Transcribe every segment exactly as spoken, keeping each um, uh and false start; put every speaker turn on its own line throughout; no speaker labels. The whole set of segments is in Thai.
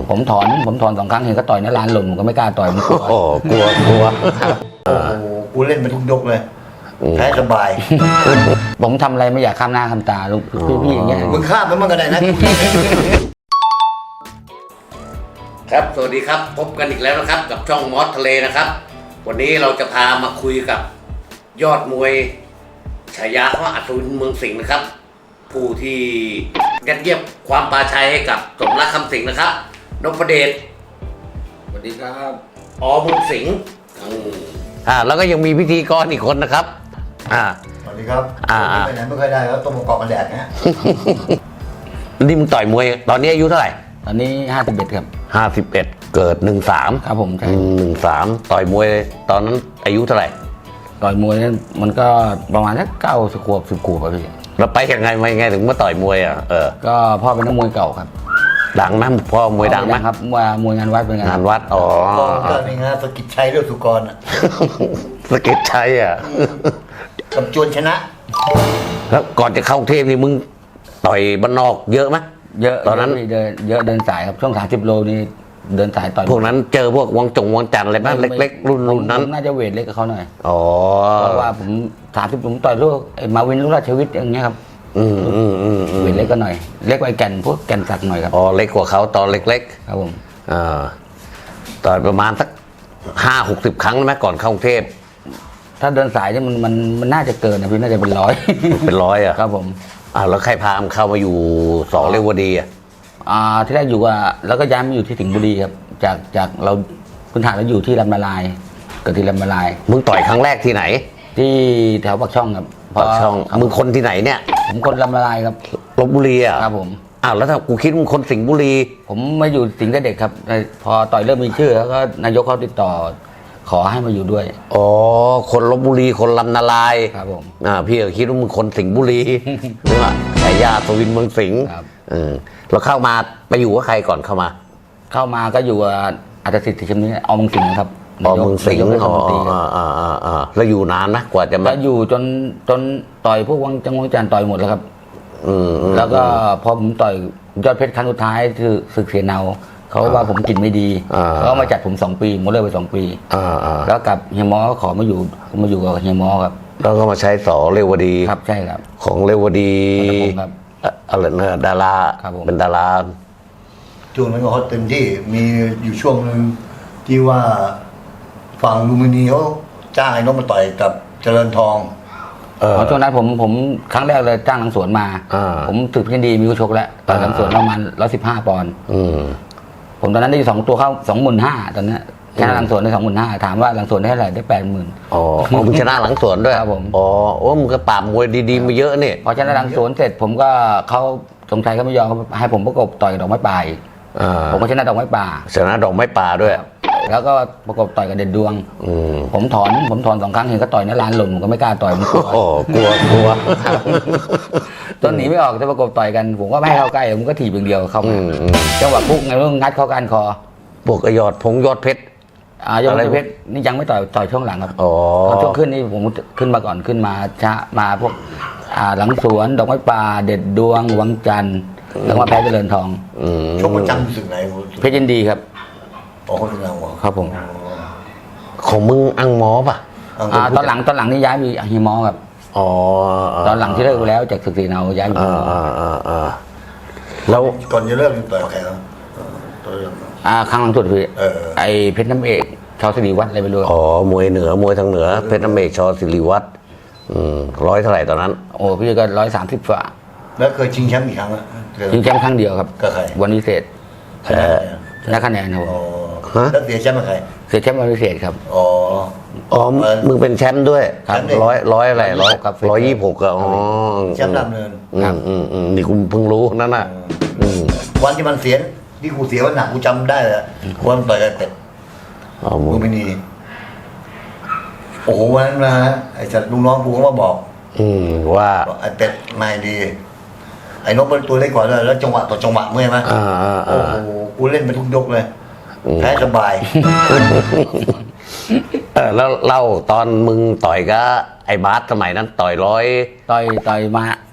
ผมถอนผมถอนสองครั้งเห็นก็ต่อยนะร้านหล่นผมก็ไม่กล้าต่อยผมกลัว
โอ้กลัวกลัว
โอ้โหกูเล่นไปทุกยกเลยแพ้สบาย
ผมทำอะไรไม่อยากข้ามหน้าข้ามตาลูกพี่ๆอย่างเงี้ย
มึงข้ามมันมันก็ได้นะ
ครับสวัสดีครับพบกันอีกแล้วนะครับกับช่องมอสทะเลนะครับวันนี้เราจะพามาคุยกับยอดมวยฉายาเขาอัศวินเมืองสิงห์นะครับผู้ที่ยัดเยียดความปราชัยให้กับสมรักคำสิงห์นะครับนพเดช
สวัสดีครับ
อเมืองสิงห์อ่าแล้วก็ยังมีพิธีกรอีกคนนะครับอ่า
สวัสดีครับ
อ่า
ไปไหนไม่ค่อยได้แล้วต้องมาเกาะกันแดดนะฮะ
นี่มึงต่อยมวยตอนนี้อายุเท่าไหร่
ตอนนี้ห้าสิบเอ็ดครับ
ห้าสิบเอ็ดเกิดหนึ่งสาม
ครับผมใช่
หนึ่งสามต่อยมวยตอนนั้นอายุเท่าไหร่
ต่อยมวยเนี่ยมันก็ประมาณสักเก้าสิบขวบสิบขวบอะพี่
แล้วไปยังไงมายังไงถึงมาต่อยมวยอ่ะเออ
ก็พ่อเป็นนักมวยเก่าครับ
ดังไหมพ่อมวยดังไหม
ครับมวยมวยงานวัดเป็นงาน
งานวัดอ๋อ
ก็นี่ฮะสกิจชัยเรื่องสุกรอ่ะ
สเก็ตชัยอ่ะ
กับจวนชนะ
แล้วก่อนจะเข้ากรุงเทพนี่มึงต่อยบ้านนอกเยอะไหม
เยอะ
ตอนนั้น
เดินเยอะเดินสายครับช่วงสามสิบโลนี่เดินสายต่อย
พวกนั้นเจอพวกวังจงวังจันทร์อะไรบ้างเล็กๆ รุ่นรุ่นนั้น
ผมน่าจะเวทเล็กกับเขาหน่อย
อ๋อ
เพราะว่าผมสามสิบผมต่อยลูกไอ้มาวินลูกราชวิทย์อย่างเงี้ยครับ
อืมอืมอืมอืม
เวทเล็กก็หน่อย เล็กกว่าไอ้แก่นพวกแก่นสักหน่อยครับ
อ๋อเล็กกว่าเขาตอนเล็ก
ครับผม
ๆอ่าต่อยประมาณสักห้าหกสิบครั้งไหมก่อนเข้ากรุงเทพ
ถ้าเดินสายเนี่ยมันมันมันน่าจะเกินนะพี่น่าจะเป็นร้อย
เป็นร้อยอ่ะ
ครับผม
อ่าแล้วใครพามเข้ามาอยู่สองเรวดีอ่ะ
อ่าที่แรกอยู่ว่าแล้วก็ย้ายมาอยู่ที่สิงห์บุรีครับจากจากเราพื้นฐานเราอยู่ที่ลำนาลายเกิดที่ลำนาลาย
มึงต่อยครั้งแรกที่ไหน
ที่แถวปากช่องครับ
ปากช่อง
ครับ
มึงคนที่ไหนเนี่ย
ผมคนลำนาลายครับ
ลพบุรีอ่ะ
ครับผม
อ้าวแล้วถ้ากูคิดมึงคนสิงห์บุรี
ผมมาอยู่สิงห์แต่เด็กครับพอต่อยเริ่มมีชื่อแล้วก็นายกเขาติดต่อขอให้มาอยู่ด้วย
อ๋อคนลพบุรีคนลำนาลาย
ครับผม
อ่าพี่ก็คิดว่ามึงคนสิงห์บุรี นึกว่าฉายาสวินเมืองสิงห์
ครับ
เออแล้วเข้ามาไปอยู่กับใครก่อนเข้ามา
เข้ามาก็อยู่กับอาจารย์สิทธิ์ชิมนี้เอาเมืองสิงห์นะครับ
อ๋อเมืองสิงห์
นายก
อ๋อ
เทศมนตรีครับ
อ่าอ่าอ่าแล้วอยู่นานนะกว่าจะมา
ก็อยู่จนจนต่อยพวกวังจังหวัดจันทร์ต่อยหมดแล้วครับ
อืมอืม
แล้วก็พอผมต่อยยอดเพชรครั้งสุดท้ายคือศึกเสียเนาเขาว่าผมกินไม่ดี
อ่า
เขาก็มาจัดผมสองปีผมเลิกไปสองปี
อ่าอ่า
แล้วกับเฮียมอก็ขอมาอยู่มาอยู่กับเฮียมอครับ
แล้วก็มาใช้สอเรวดี
ครับใช่ครับ
ของเรวดี
ครับ
อะอะไรนะดารา
ครับผม
เป็นดารา
ช่วงนั้นก็ฮอตเต็มที่มีอยู่ช่วงหนึ่งที่ว่าฝั่งลูมินีเขาจ้างไอ้นกมาต่อยกับเจริญทอง
เออ
อ๋อช่วงนั้นผมผมครั้งแรกเลยจ้างหลังสวนมา
อ่า
ผมถึกพินดีมีผู้ชกแล้วต่อยหลังสวนประมาณร้อยสิบห้าปอนด์
อืม
ผมตอนนั้นได้สองตัวเข้าสองหมื่นห้าตอนนั้นชนะหลังสวนได้สองหมื่นห้าถามว่าหลังสวนได้เท่าไหร่ได้แปดหมื่น
อ๋ออ๋อมึงชนะหลังสวนด้วย
ครับผม
อ๋อโอ้มึงก็ปราบมวยดีๆมาเยอะนี่
พอชนะหลังสวนเสร็จผมก็เขาสงชัยเขาไม่ยอมเขาให้ผมประกบต่อยกับดอกไม้ป่าอีก
อ่า
ผมก็ชนะดอกไม้ป่า
ชนะดอกไม้ป่าด้วย
แล้วก็ประกบต่อยกับเด่นดวง
อืม
ผมถอนผมถอนสองครั้งเห็นก็ต่อยในร้านหล่นผมก็ไม่กล้าต่อยผมกลัว
โอ้กลัวกลัว
ตอนหนีไม่ออกจะประกบต่อยกันผมก็ไม่ให้เข้าใกล้ผมก็ถีบอย่างเดียวเข้า
อื
มาม
อืม
จังหวะปุ๊กไงต้องงัดเข้าก้านคอ
พวกไอยอดพงยอดเพชร
อ่ายอด
อะไร
เพชรนี่ยังไม่ต่อยต่อยช่วงหลังครับ
อ๋อ
ตอนช่วงขึ้นนี่ผมขึ้นมาก่อนขึ้นมาช้ามาพวกอ่าหลังสวนดอกไม้ป่าเด็ดดวงวังจันทร์แล้วมาแพ้เจริญทอง
อืม
ชกประจำรู้สึกไหน
เพชรยินดีครับ
อ๋อคนเราเหรอ
ครับผม
ของมึงอังหมอป่ะ
อ่าตอนหลังตอนหลังนี่ย้ายไปฮิมอครับ
อ๋อ
ตอนหลังที่เลิกไปแล้วจากศึกศรีเนาย้ายไปฮิ
อ่าม
อ
อ่าอ่าอ่าแล้ว
ก่อนจะเลิกต่อยกับใครครับเออต่อยกับ
อ่าครั้งหลังสุดคือ
เออ
ไอเพชรน้ำเอกชาวสิริวัฒน์อะไรไปด้วย
อ๋อมวยเหนือมวยทางเหนือเพชรน้ำเมฆชอศิริวัตรอืมร้อยเท่าไหร่ตอนนั้น
โอ้พี่ก็ร้อยสามสิบฝ่า
แล้วเคยชิงแชมป์กี่ครั้งอะเคย
ชิงแชมป์ครั้งเดียวครับ
กับใคร
วันวิเศษ
ชนะไหม
ชนะคะแนนครับผ
อ๋อ
ม
แล้วเสียแชมป์กับใคร
เสียแชมป์วันวิเศษครับ
อ๋อ
อ๋อมึงเป็นแชมป์ด้วย
ครับ
ร้อยร้อยอะไรร้อย
ครับ
ร้อยยี่สิบหกอะอ๋อ
แชมป์ดำเนิน
อืมอืมอืมนี่กูเพิ่งรู้นั่นน่ะอืม
วันที่มันเสียที่กูเสียวันหนักกูจำได้เลยวันต่อยกับเป็ด
อ๋อมึ
ลู
ง
มินีโอ้โหวันนั้นนะไอ้จัดลูกน้องกูก็มาบอก
อืมว่า
บอกไอ้เป็ดไม่ดี ไอ้นกเป็นตัวเล็กกว่าเลยแล้วจังหวะต่อจังหวะเมื่อยไหม
อ่าอ่า
โอ้
อ่า
โหกูเล่นไปทุกยกเลยแพ้สบาย
เออแล้วเล่าตอนมึงต่อยกับไอ้บาสสมัยนั้นต่อยร้อย
ต่อยต่อยมา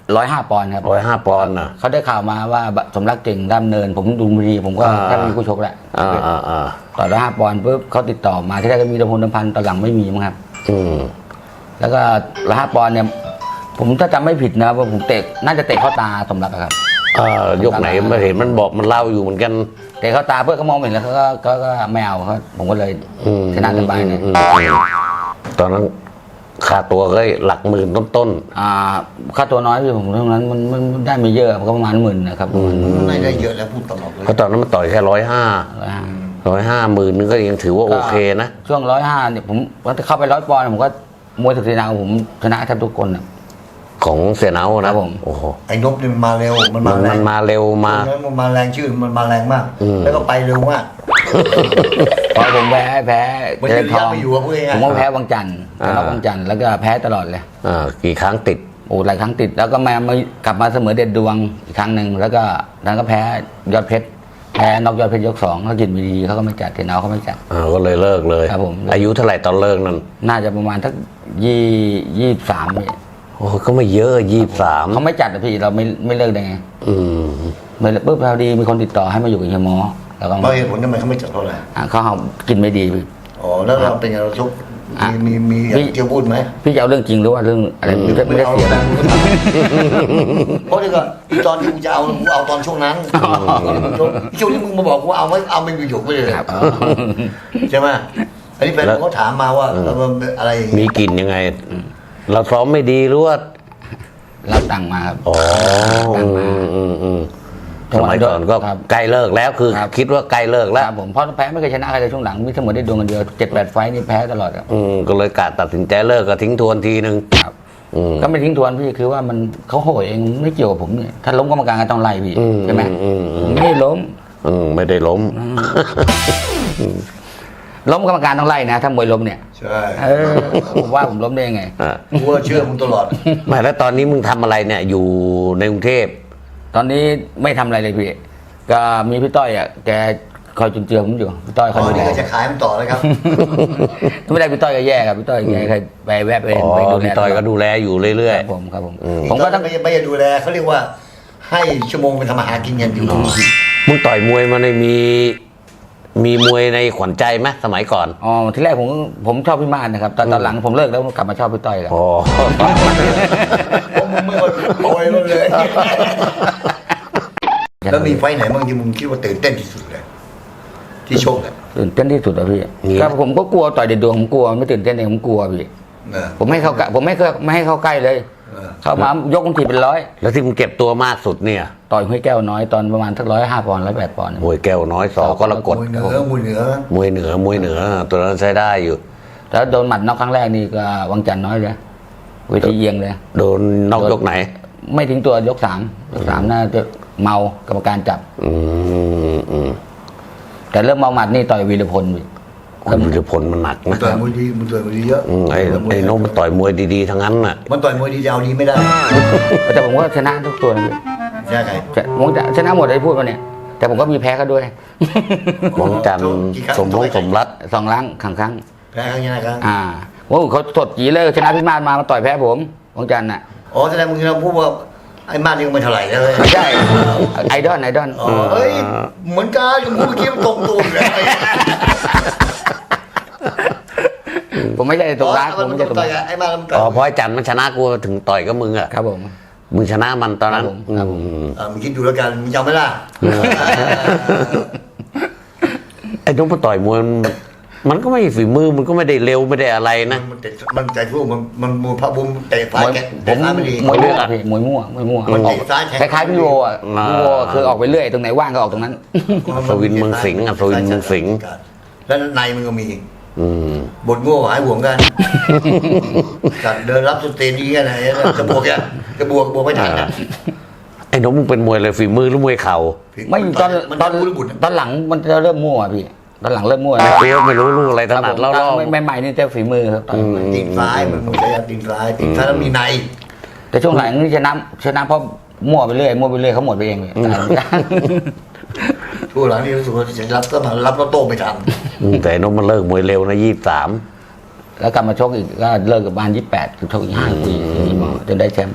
ร้อยห้าปอนด์ครับ
ร้อยห้าปอนด์นะ
เขาได้ข่าวมาว่าสมรักเก่งด้ามเนิน ผมดูบุรีผมก็
อ่า
แทบไม่มีคู่ชกแล้ว
อ่าอ่าอ่า
ต่อร้อยห้าปอนด์ปุ๊บเขาติดต่อมาที่แรกก็มีดำพลดำพันตอนหลังไม่มีมั้งครับ
อืม
แล้วก็ร้อยห้าปอนด์เนี่ย ผมถ้าจำไม่ผิดนะว่าผมเตะน่าจะเตะเข้าตาสมรักอะครับ
อ่ายกไหนไม่เห็นมันบอกมันเล่าอยู่เหมือนกัน
เตะเข้าตาเพื่อนเขามองไม่เห็นแล้วเขาก็ก็ก็ไม่เอาเขาผมก็เลย
อืม
ชนะสบายเลย
อืมอืมตอนนั้นค่าตัวก็หลักหมื่นต้น
อ่าค่าตัวน้อยพี่ผมตรงนั้นมันมันมันได้ไม่เยอะก็ประมาณหมื่นนะครับประมาณ
ไม่ได้เยอะแล้วพูดตลอดเล
ๆ
ย
เพราะตอนนั้นมันต่อยแค่ร้อยห้า
ร้อยห้า
ร้อยห้าหมื่นนึงก็ยังถือว่าโอเคนะ
ช่วงร้อยห้าเนี่ยผมเข้าไปร้อยปอนด์ผมก็มวยศึกศรีนาผมชนะแทบทุกคนอะ
ของเสียเนา
ครั
นะ
บผม
โอ้โห
ไอ้นบนี่มันมาเร็วมัน
มั
มาน แร
มั
ง
นมาเร็วมา
ตรงนั้นมันมาแรงชื่อมันมาแรงมาก
อืม
แล้วก็ไปเร็วมาก
พอผมแพ้แพ้
มัน
เจ
ยื
ริ
น
ญท
ยั
อนง
ไม่อยู่อะพูดง่ายๆ
ผมก็แพ้วังจันทร์ชนะวังจันทร์แล้วก็แพ้ตลอดเลย
อ่ากี่ครั้งติด
โอ้หลายครั้งติดแล้วก็มามากลับมาเสมอเด็ดดวงอีกครั้งหนึ่งแล้วก็นั้นก็แพ้ยอดเพชรแพ้นอกยอดเพชรยกสองเขากินวีดีเขาก็ไม่จัดเทนเอาเขาไม่จัด
อ่าก็เลยเลิกเลย
ครับผม
อายุเท่าไหร่ตอนเลิกนั้น
น่าจะประมาณสักยี่ยี่สามพี่
โอ้ก็ไม่เยอะยี่สิบสาม
เขาไม่จัดอะพี่เราไม่ไม่เลิกได้ไง
อืม
ไม่เลิกปุ๊บพอดีมีคนติดต่อให้มาอยู่กับเฮียหมอแล้วก็
เพราะเหตุผลทำไมเขาไม่จัดเท่าไหร่
อ่ะเขาเอากินไม่ดีพี่
อ๋อแล้วเราเป็นไงเราชก
อ่ะ
มีมีมีอย่างที่พูดไหม
พี่จะเอาเรื่องจริงหรือว่าเรื่องอะไรไม่ได้ไม่ได้เสียแล้ว
เพราะเดี๋ยวก่อนอีตอนที่กูจะเอากูเอาตอนช่วงนั้นช่วงนี้มึงมาบอกกูเอาไม่เอาไม่มีหยกไปเลย
ครับ
ใช่ไหมอันนี้แฟนผมเขาถามมาว่าอะไรอย่าง
มี
งี้
กลิ่นยังไง เราซ้อมไม่ดีหรือว่า
รับตังค์มาครับ
อ๋ออืมอืมอืมสมัยก่อนก็
ครับ
ใกล้เลิกแล้วคือ
ครับ
คิดว่าใกล้เลิกแล้ว
ครับผมเพราะแพ้ไม่เคยชนะใครเลยช่วงหลังมีเสมอได้ดวงกันเดียวเจ็ดแปดไฟต์นี่แพ้ตลอดครับ
อืมก็เลยกะตัดสินใจเลิกก็ทิ้งทวนทีนึง
ครับ
อืม
ก็ไม่ทิ้งทวนพี่คือว่ามันเขาโหยเองไม่เกี่ยวกับผมเนี่ยถ้าล้มกรรมการก็ต้องไล่พี่
อืม
ใช่ไหม
อืมอืม
ผมไม่ได้ล้ม
อืมไม่ได้ล้ม
ล้มกรรมการต้องไล่นะถ้ามวยล้มเนี่ย
ใช่
เออผมว่าผมล้มได้ยังไง
อ่ะ
กูว่าเชื่อมึงตลอด
ไม่แล้วตอนนี้มึงทำอะไรเนี่ย อยู่ในกรุงเทพ
ตอนนี้ไม่ทำอะไรเลยพี่ก็มีพี่ต้อยอ่ะแกคอยจุนเจือผมอยู่พี่ต้อยค
ต
อย
อน
ดูแล
นี้ก็จะขายมันต่อแล้วครับ
ถ้าไม่ได้พี่ต้อยก็แย่ครับพี่ต้อยแกเคยไปแวะไป
อ๋อ
ไปดูแล
พี่ต่อยก็ดูแลอยู่เรื่
ค
อย
รับผมครับผม
อืม
ผมก็ต้อง
ไม่ไม่ได้ดูแลเขาเรียกว่าให้ชั่วโมงเป็นทำอาหารกินกันอยู่
ๆมึงต่อยมวยมาในยมี มีมวยในขวัญใจไหมสมัยก่อน
อ๋อที่แรกผมผมชอบพี่มาศนะครับแต่ตอนหลังผมเลิกแล้วกลับมาชอบพี่ต้อยครับ
อ๋อ
ผมไม่ว่าโอยมันเลย แล้วมีไฟท์ไหนบ้างที่มึงคิดว่าตื่นเต้นที่สุดเลยที่ชกอ่ะ
ตื่นเต้นที่สุดอะพี่ก็ผมก็กลัวต่อยเด็ดดวงผมกลัวไม่ตื่นเต้นเองผมกลัวพี่
เออ
ผมไม่ให้เข้าใกล้ผมไม่เคยไม่ให้เข้าใกล้เลย
เออ
เข้ามายกคนทีเป็นร้อย
แล้วที่มึงเก็บตัวมากสุดเนี่ย
ต่อยห้วยแก้วน้อยตอนประมาณสักร้อยห้าปอนด์ร้อยแปดปอนด์
มวยแก้วน้อยสอก็ระกด
มวยเหนือมวยเหนือ
มวยเหนือมวยเหนือ ตัวนั้นใช้ได้อยู่
แล้วโดนหมัดนอกครั้งแรกนี่ก็วังจันทร์น้อยเลยเวทีเอียงเลย
โดนนอกยกไหน
ไม่ทิ้งตัวยกสามยกสามน่าจะเมากรรมการจับ
อืมอืม
แต่เริ่มเมาหมัดนี่ต่อยวีรพลพี่
คุณวิรพลมันหนัก
มัน
นะ
ต่อยมวยดีมันต่อยมวยดีเยอะ
อืมไอ้ไอ้โน้มมันต่อยมวยดีๆทั้งนั้นน่ะ
มันต่อยมวยดีจะเอาดีไม่ได้
แต่ผมก็ชนะทุกตัวนะพี่
ใช่ไหม
จะผมจะชนะหมดเลยพูดมาเนี่ย แต่ผมก็มีแพ้เขาด้วย
หวังจันทร์สมพงษ์สมรัตน์
สองครั้งครั้งครั้ง
แพ้ครั้งนี้นะครับ
อ่าโอ้เขาสดจีเลยชนะพี่มาศมามาต่อยแพ้ผมวังจันทร์น่ะ
อ๋อแสดงมึงเราพูดว่าไอ้มาดยังไม่เท่าไหร่เลย
ไม่ใช่ไอดอลไอดอล
อ๋อเฮ้ยเหมือนกันยังพูดเมื่อกี้มันตรงตัวเลย
ผมไม่ใช่ตรงร้านผมไม่ใช่ตรง
ต่อ
ร้าย น
ไอ้มาดมันต่
อ๋อ
อย
เพราะไอ้จันทร์มันชนะกูถึงต่อยกับมึงอ่ะ
ครับผม
มึงชนะมันตอนนั้น
ครับผมครับผม
อืม
อ่ามึงคิดดูแล้วกันมึงจำไม่ได้
ไอ้โน้มมันต่อยมวยมันมันก็ไม่ฝีมือมันก็ไม่ได้เร็วไม่ได้อะไรนะ
มันเตะมันใจสู้มันมันมวยพระบุญเตะ
ม
ซ้าย
วย
แก
ผ
เตะ
ม
ซ้ายไม่ดี
มวยมั่วพี่มวยมั่วมวยมั่ว
มัน
ออก
เตะซ้ายแทง
คล้ายๆพี่โวอ่ะพี่โวคือออกไปเรื่อยตรงไหนว่างก็ออกตรงนั้น
สวินเมืองสิงห์อ่ะสวินเมืองสิงห์
แล้วในมันก็มี
อืม
บทโง่หายห่วงกันจัดเดินรับสเตนนี้กันไหนจะบวกอ่ะจะบวกบวกไม่ทันอ่ะ
ไอ้โน้มมึงเป็นมวยเลยฝีมือหรือมวยเข่า
ไม่ตอน
มัน
ตอน
รู้ระบุ
ตอนหลังมันจะเริ่มมั่วพี่ตอนหลังเริ่มมั่ว
ไม่รู้ไม่รู้ลูกอะไรถ
ครับ
นั
ผ
ด
ม
เล่า
ตอนใหม่ๆนี่จะฝีมือครับตอน
อืม
ตีนซ้ายมันมวยใช้ตีนซ้ายตีนซ้ายแล้วมีใน
แต่ช่วงหลังนี่ชนะชนะเพราะมั่วไปเรื่อยมั่วไปเรื่อยเขาหมดไปเองเลย
ช่วงหลังนี่รู้สึกว่าจะรับก็มารับแล้วโต้ไม่ทัน
อืมแต่ไอ้โน้มมันเลิกมวยเร็วนะยี่สิบสาม
แล้วกลับมาชกอีกก็เลิกกับบ้านยี่สิบแปดชกอีกห้าปีจนได้แชมป์
อ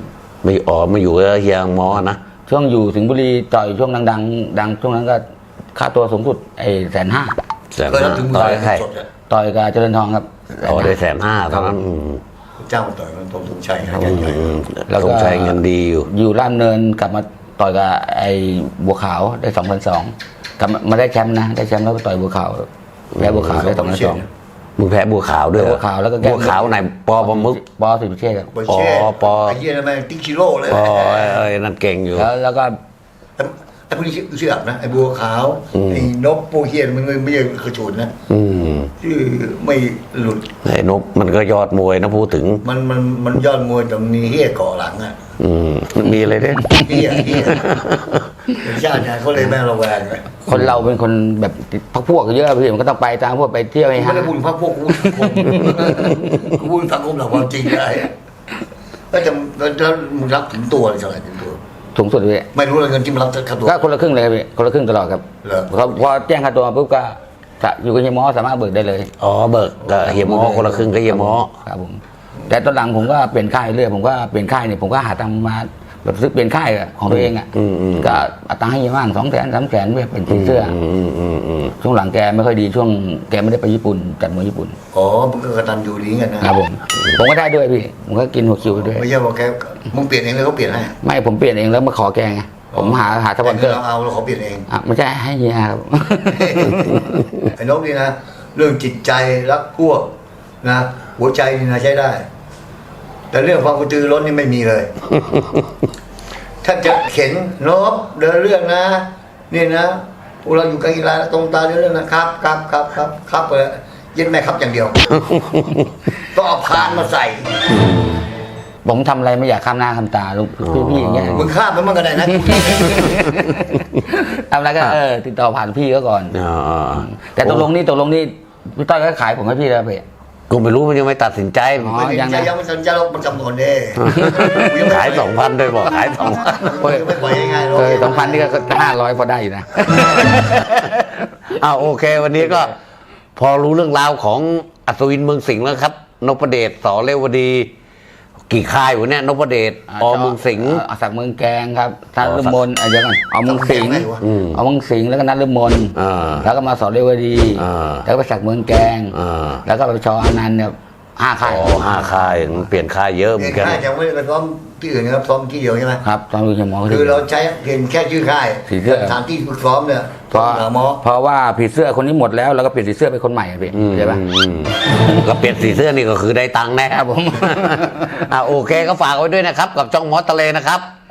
ไม่อ๋อมาอยู่กับเฮียหมอนะ
ช่วงอยู่สิงห์บุรีต่อยช่วงดังๆดังช่วงนั้นก็ค่าตัวสูงสุดไอ้แสนห้า
แสน
เคยรับ
ห้า
ถึงมื
ต่อย
อ
ใคร
สดๆอะ
ต่อยกับเจริญทองครับ
อ๋อได้แสนห้าตอนนั้นอืม
เจ้าต่อยมันตรงตรงชัย
อืมอืม
แล้ว
ส
ก็
งชัยเงินดีอยู่
อยู่ล่ามเนินกลับมาต่อยกับไอ้บัวขาวได้สองพันสองกลับมามาได้แชมป์นะได้แชมป์แล้วไปต่อยบัวขาวแพ้บัวขาวได้สองพันสอง
มึงแพ้บัวขาวด้วยเหรอ
บัวขาวแล้วก็แก้
บัวขาวไหนปอประมุก
ปอสิพิเชษครับ
ไปเช่
อ๋อปอ
ไอ้เหี้ยนั่นแม่งติ๊กชิโร่เลย
ปอไอ้ไอ้นั่นเก่งอยู่
แล้วแล้วก็
ไอ้ไอ้พวกนี้เชื่อนะไอ้บัวขาว
อืม
ไอ้นกโปเฮียนมันไม่ใช่กระโจนนะ
อืม
ชื่อไม่หลุด
ไอ้นกมันก็ยอดมวยนะพูดถึง
มันมันมันยอดมวยแต่มีเฮียเกาะหลังอ่ะ
อืมมันมีอะไรด้วย
เฮียเฮียเป็นชาติเนี่ยเขาเลยแม่ระแวงเลย
คนเราเป็นคนแบบพักพวกเยอะพี่มันก็ต้องไปตามพวกไปเที่ยวให้
ไม่
ฮะ
ได้พูดพักพวกกูพูดสังคมกูพูดสังคมหลักความจริงได้ก็จะแล้วมึงรับถึงตัวเลยเท่าไหร่ถึงตัว
สูงสุดเลย
ไม่รู้เลยเงินที่มันรับค่าตัว
ก็คนละครึ่งเลยครับพี่คนละครึ่งตลอดครับ
เหรอ
พอพอแจ้งค่าตัวปุ๊บก็จะอยู่กับเฮียหมอสามารถเบิกได้เลย
อ๋อเบิกกับเฮียหมอคนละครึ่งกับเฮียหมอ
ครับผมแต่ตอนหลังผมก็เปลี่ยนค่ายเรื่อยผมก็เปลี่ยนค่ายเนี่ยผมก็หาตังค์มาแบบซื้อเปลี่ยนค่ายของตัวเองอ่ะ
อืมอืม
ก็เอาตังค์ให้เฮียบ้างสองแสนสามแสนเพื่อเป็นสีเสื้ออ
อืมอืมอืม
ช่วงหลังแกไม่ค่อยดีช่วงแกไม่ได้ไปญี่ปุ่นจัดมวยญี่ปุ่น
อ๋อมันก็กระตันอยู่ดีกันนะครับ
ผมผมก็ได้ด้วยพี่ผมก็กินหัวคิวไปด้วย
ไม่ใช่ว่าแกมึงเปลี่ยนเองเลยเขาเปลี่ยนให้
ไม่ผมเปลี่ยนเองแล้วมาขอแกไงผมหาหาสปอนเซอร์
เราเอาเราขอเปลี่ยนเอง
อ่ะไม่ใช่ให้เฮียครับ
ไอ้นกนี่นะเรื่องจิตใจรักพวกนะหัวใจนี่นะใช้ได้ แต่เรื่องความกระตือร้นนี่ไม่มีเลย ถ้าจะเข็นนกเดินเรื่องนะนี่นะพวกเราอยู่กับกีฬาตรงตาเดินเรื่องนะครับครับครับครับครับเลยเย็นแม่ครับอย่างเดียว ก็เอาพานมาใส่
ผมทำอะไรไม่อยากข้ามหน้าข้ามตาลูกพี่ๆอย่างเงี้ย
มึงข้ามมันมันก็ได้นะ
ทำอะไรก็เออติดต่อผ่านพี่ก็ก่อน
อ๋อ
แต่ตกลงนี่ตกลงนี่พี่ต้อยก็ขายผมให้พี่แล้วพี่
กูไม่รู้มันยังไม่ตัดสินใจ
อ๋อ
ไม่
ยัง
ใช่
นะ
ยังไม่สนใจเรามันจำนวนเด้
ขายสองพันด้วยบอกขายสองพัน
ไม่ปล่อยง่ายๆหรอก
เออสองพันนี่ก็ห้าร้อยพอได้อยู่นะ
อ้าวโอเค วันนี้ก็ พอรู้เรื่องราวของอัศวินเมืองสิงห์แล้วครับนพเดชสอเรวดี กี่ค่ายวะเนี่ยนพเดชอเมืองสิงห์
เอ่อสักดิ์เมืองแกงครับนัด
อ๋อ
ฤมลอ่ะเดี๋ยวก่อนเอาเมืองสิงห์
อืม
เอาเมืองสิงห์แล้วก็นัดฤมล
อ่า
แล้วก็มาสอนเรวดี
อ่า
แล้วก็ไปสักดิ์เมืองแกง
อ่า
แล้วก็ไปชออนันต์เนี่ยห้าค่าย
อ๋อห้าค่ายมันเปลี่ยนค่ายเยอะเหมื
เห็
อน นกัน
ค่ายจะไม่ได้ไปซ้อมที่อื่นนะครับซ้อมที่เดียวใช่ไหม
ครับตอนดูเฮียหมอ
คือเราใช้เห็นแค่ชื่อค่าย
สีเสื้อ
สถานที่ฝึกซ้อมเนี่ย
เพราะ
หาหมอ
เพราะว่าผีเสื้อคนนี้หมดแล้วแล้วก็เปลี่ยนสีเสื้อเป็นคนใหม่อะพี่
อืม
ใช่ปะ
อืมก็เปลี่ยนสีเสื้อนี่ก็คือได้ตังค์แน่
ครับผม
อ่าโอเคก็ฝากไว้ด้วยนะครับ กับช่องมอสทะเลนะครับ